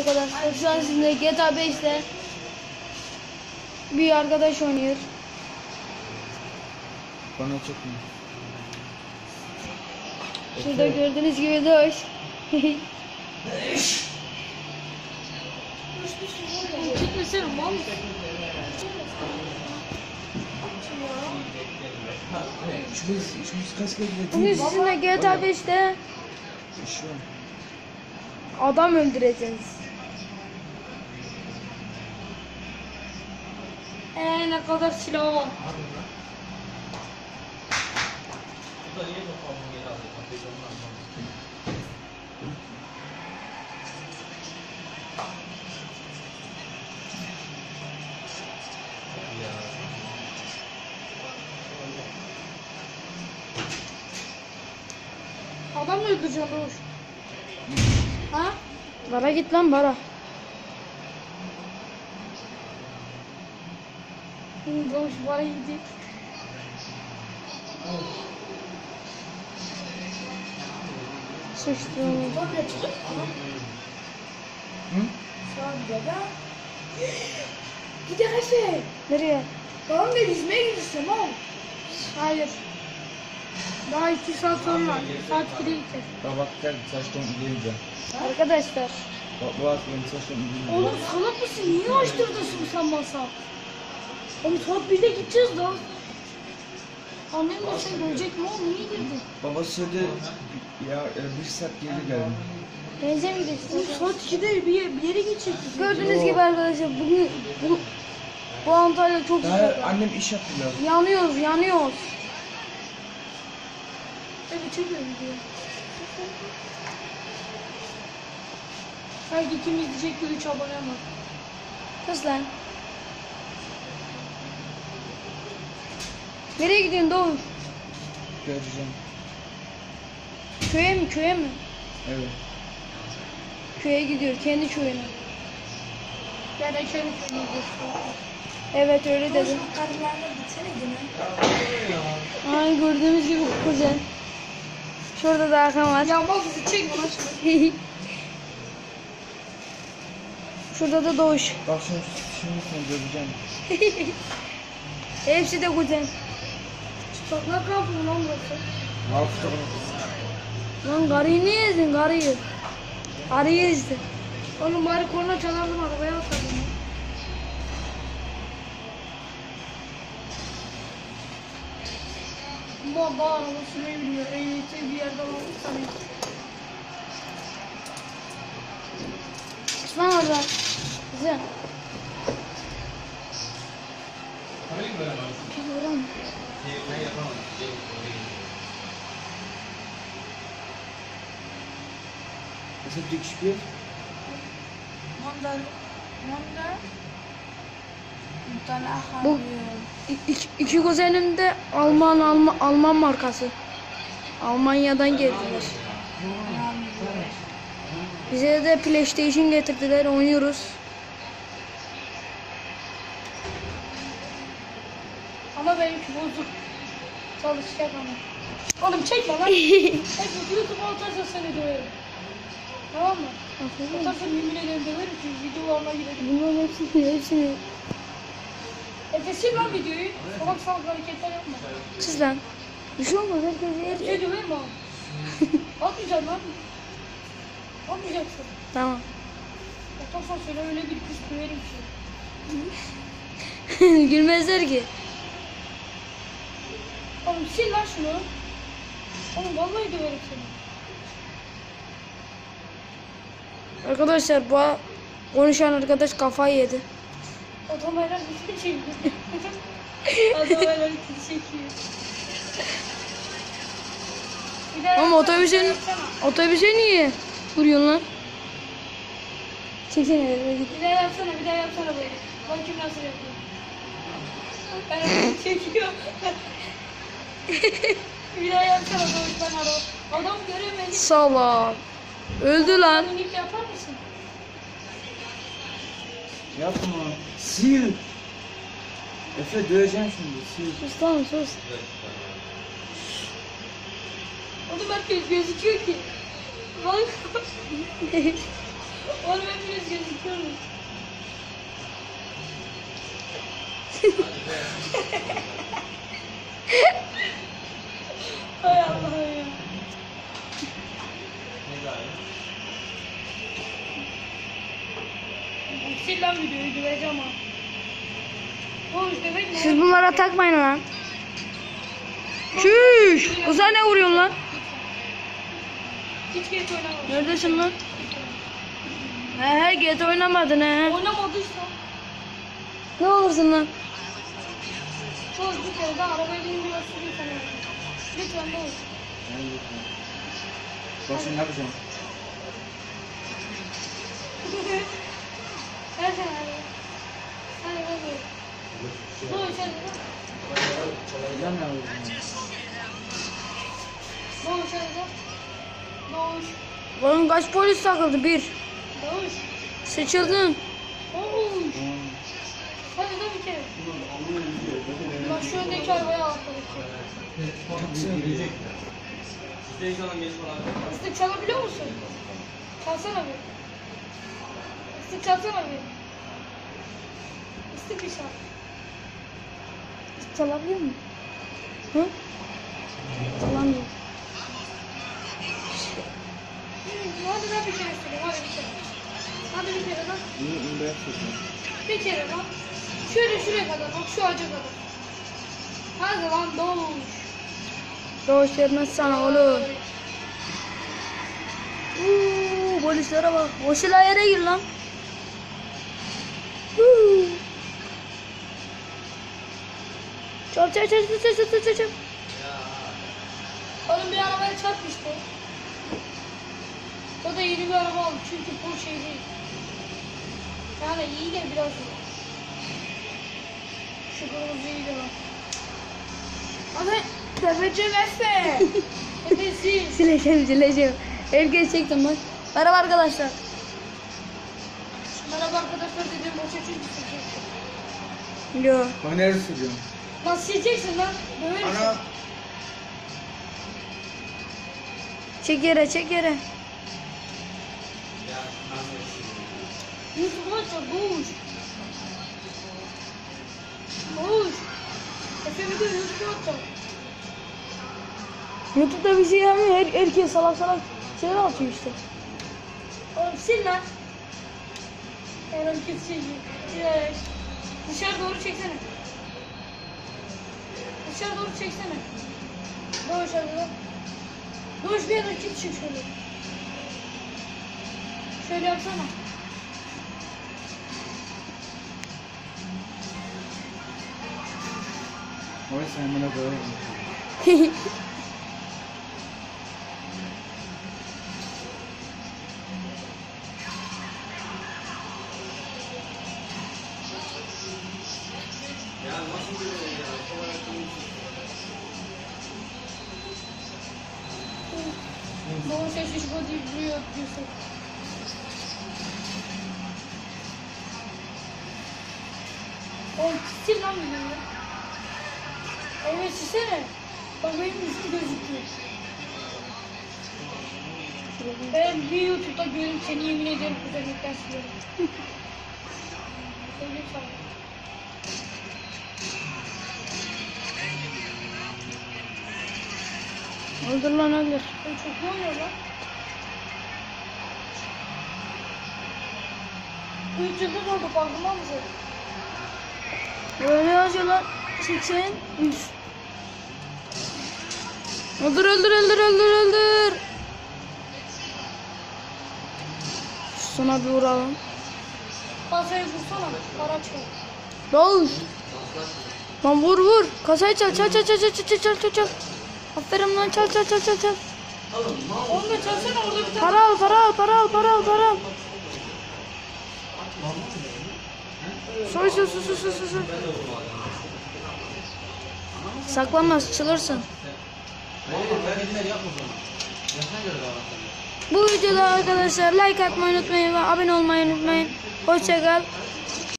arkadaşlar. Şu an sizinle GTA 5'te bir arkadaş oynuyor. Bana çok mu? Şurada gördüğünüz gibi Doğuş. Gitmesene mal. Şurası kaç kere Bugün değil. sizinle GTA 5'te Şu adam öldüreceğiz. Ne kadar silah var. Adam mı öldüreceğim Doğuş? Ha? Bara git lan bara. Doğuş bana gidiyor. Sıçtım. Hı? Gidelim Efe. Nereye? Tamam da yüzmeye gidiyorsun oğlum. Hayır. Daha 2 saat sonra. Saat 2'de gideceğiz. Bak gel saçtan giyince. Arkadaşlar. Bak benim saçtan giyince. Oğlum salak mısın? Niye açtırdın sen masa? Oğlum saat 1'de gideceğiz daha. Annem de sen görecek mi oğlum? Niye girdin? Baba söyledi ya bir saat geri geldim. Denize mi gidiyorsun? Oğlum saat 2'de bir yere gidecektik. Gördüğünüz gibi arkadaşlar bugün bu Antalya çok Daha sıcak. annem iş yaptılar. Yanıyoruz. Evet çekiyorum diyor. Belki kim izleyecek ki 3 abone var. Kız lan. Nereye gidiyorsun Doğuş? Göreceğim. Köye mi? Evet. Köye gidiyor, kendi köyüne. Yani şöyle söyleyeyim. Evet öyle dedim. Karılarla gitsene yine. Ay gördüğümüz gibi kuzen. Şurada da Hakan var. Ya bak bizi çek bana şunu. Şurada da Doğuş. Bak şimdi göreceğim. Hepsi de kuzen. Çıplaklar kampı lan burası. Hafta Lan karıyı niye ezdin karıyı? Karıyı ezdin. Oğlum bari korna çalardım arabaya atardım. Baba araba sürmeyi biliyor. Ehliyeti bir yerden aldık sanıyor. Osman orada. Kuzen. Oran. Mesela dikişpiel. Bu iki kuzenim de Alman markası. Almanya'dan geldiler. Bize de PlayStation getirdiler, oynuyoruz. Ama benimki bozuk. Çalışacak ama. Oğlum çekme lan. Çekme. YouTube'a atarsan seni döverim. Tamam mı? Atarsan yemin ederim döverim ki videolarına girelim. Bunların hepsini. Efe sil lan videoyu. Salak salak hareketler yapma. Siz lan. Bir şey olmaz, herkes yer. Şey döverim mi abi? Atmayacaksın lan. Atmayacaksın. Tamam. Atarsan söyle öyle bir kız döverim ki. Gülmezler ki. Oğlum sil lan şunu. Oğlum vallahi döverim seni. Arkadaşlar bu konuşan arkadaş kafayı yedi. Adamlar bizi çekiyor. Adamlar bizi çekiyor. Bir daha Ama yapsana, otobüse niye vuruyorsun lan? Çeksene eve git. bir daha yapsana böyle. Bak kim nasıl yapıyor. Ben onu çekiyor. Bir daha yapsana böyle ben adam göremedim. Salak. Öldü lan. Minik yapar mısın? Yapma. Sil. Efe döveceğim şimdi. Sil. Sus lan sus. Oğlum herkes gözüküyor ki. Bak. Oğlum hepiniz gözüküyor. Görmüyor. Hay Allah ya. Sil lan videoyu döveceğim ha. Oğlum demek ne? Siz bunlara takmayın lan. Çüş. Kıza ne vuruyorsun lan? Hiç geç oynamadım. Neredesin lan? He geç oynamadın he. Oynamadıysa. Ne olursun lan? Oğlum bir kere daha arabaya binip biraz süreyim sana. Lütfen ne olur. Başka ne yapacağım? Ver sen hadi. Hadi hadi. Doğuş hadi. Hocam ne yapacağım? Doğuş hadi. Doğuş. Oğlum kaç polis takıldı? Bir. Doğuş. Seçildin. Doğuş. Hadi da bir kere. Bak şu öndeki arabaya atladık. Islık çalabiliyor musun? Çalsana bir. Islık çalsana bir. Islık bir çal. Çalabiliyor mu? Hı? Çalamıyor. Hadi da bir kere söyleyeyim. Hadi bir kere. Hadi bir kere lan. Bunu yapacağım. Bir kere lan. Şöyle şuraya kadar bak şu ağaca kadar. Hadi lan doğuş. Doğuş vermez sana olur. Polislere bak. O silah yere gir lan. Çal çal çal çal çal çal çal. Oğlum bir arabaya çarpmıştı. O da yeni bir araba aldı çünkü bu şey değil. Yani iyi de biraz iyi. Şu kırmızı iyi de bak. Abi tepeceğim Efe. Efe'si. Sileceğim. Herkes çektim bak. Merhaba arkadaşlar. Merhaba arkadaşlar dedim boşa çünkü sileceksin. Yo. Ben nerede sürüyorum? Lan sileceksin lan. Döverim Ana. seni. Çek yere çek yere. Yusuf maçta boğuş. Boğuş. Efe bir de Yusuf maçta. YouTube'da bir şey yapmıyor. Herkes salak salak şeyler atıyor işte. Oğlum sil lan. Oğlum keseceğim. Dışarı doğru çeksene. Dışarı doğru çeksene. Doğuş hadi lan. Doğuş bir yana git çık şöyle. Şöyle yapsana. Oy sen bana böyle. Doğuş eşiş bu deyip duruyor Yusuf. Oğlum sil lan bunu. Evet silsene. Bak benim yüzüm gözüküyor. Ben bir YouTube'da görüp seni yemin ederim güzellikten siliyorum. Söyle sana. Öldür lan öldür. Ben çok iyi oynuyor lan. 3 yıldız oldu farkında mısın? Böyle yazıyor lan. 80 100. Öldür öldür öldür öldür öldür. Sana bir vuralım. Kasayı vursana. Para çıkar. Doğuş. Lan vur vur. Kasayı çal çal çal çal çal çal çal çal çal. Aferin lan çal çal çal çal çal. Onu da çalsana orada bir tane. Para al para al para al para al para al. Soy soy soy soy soy soy. Saklanmaz çılırsın. Bu videoda arkadaşlar like atmayı unutmayın ve abone olmayı unutmayın. Hoşça kal.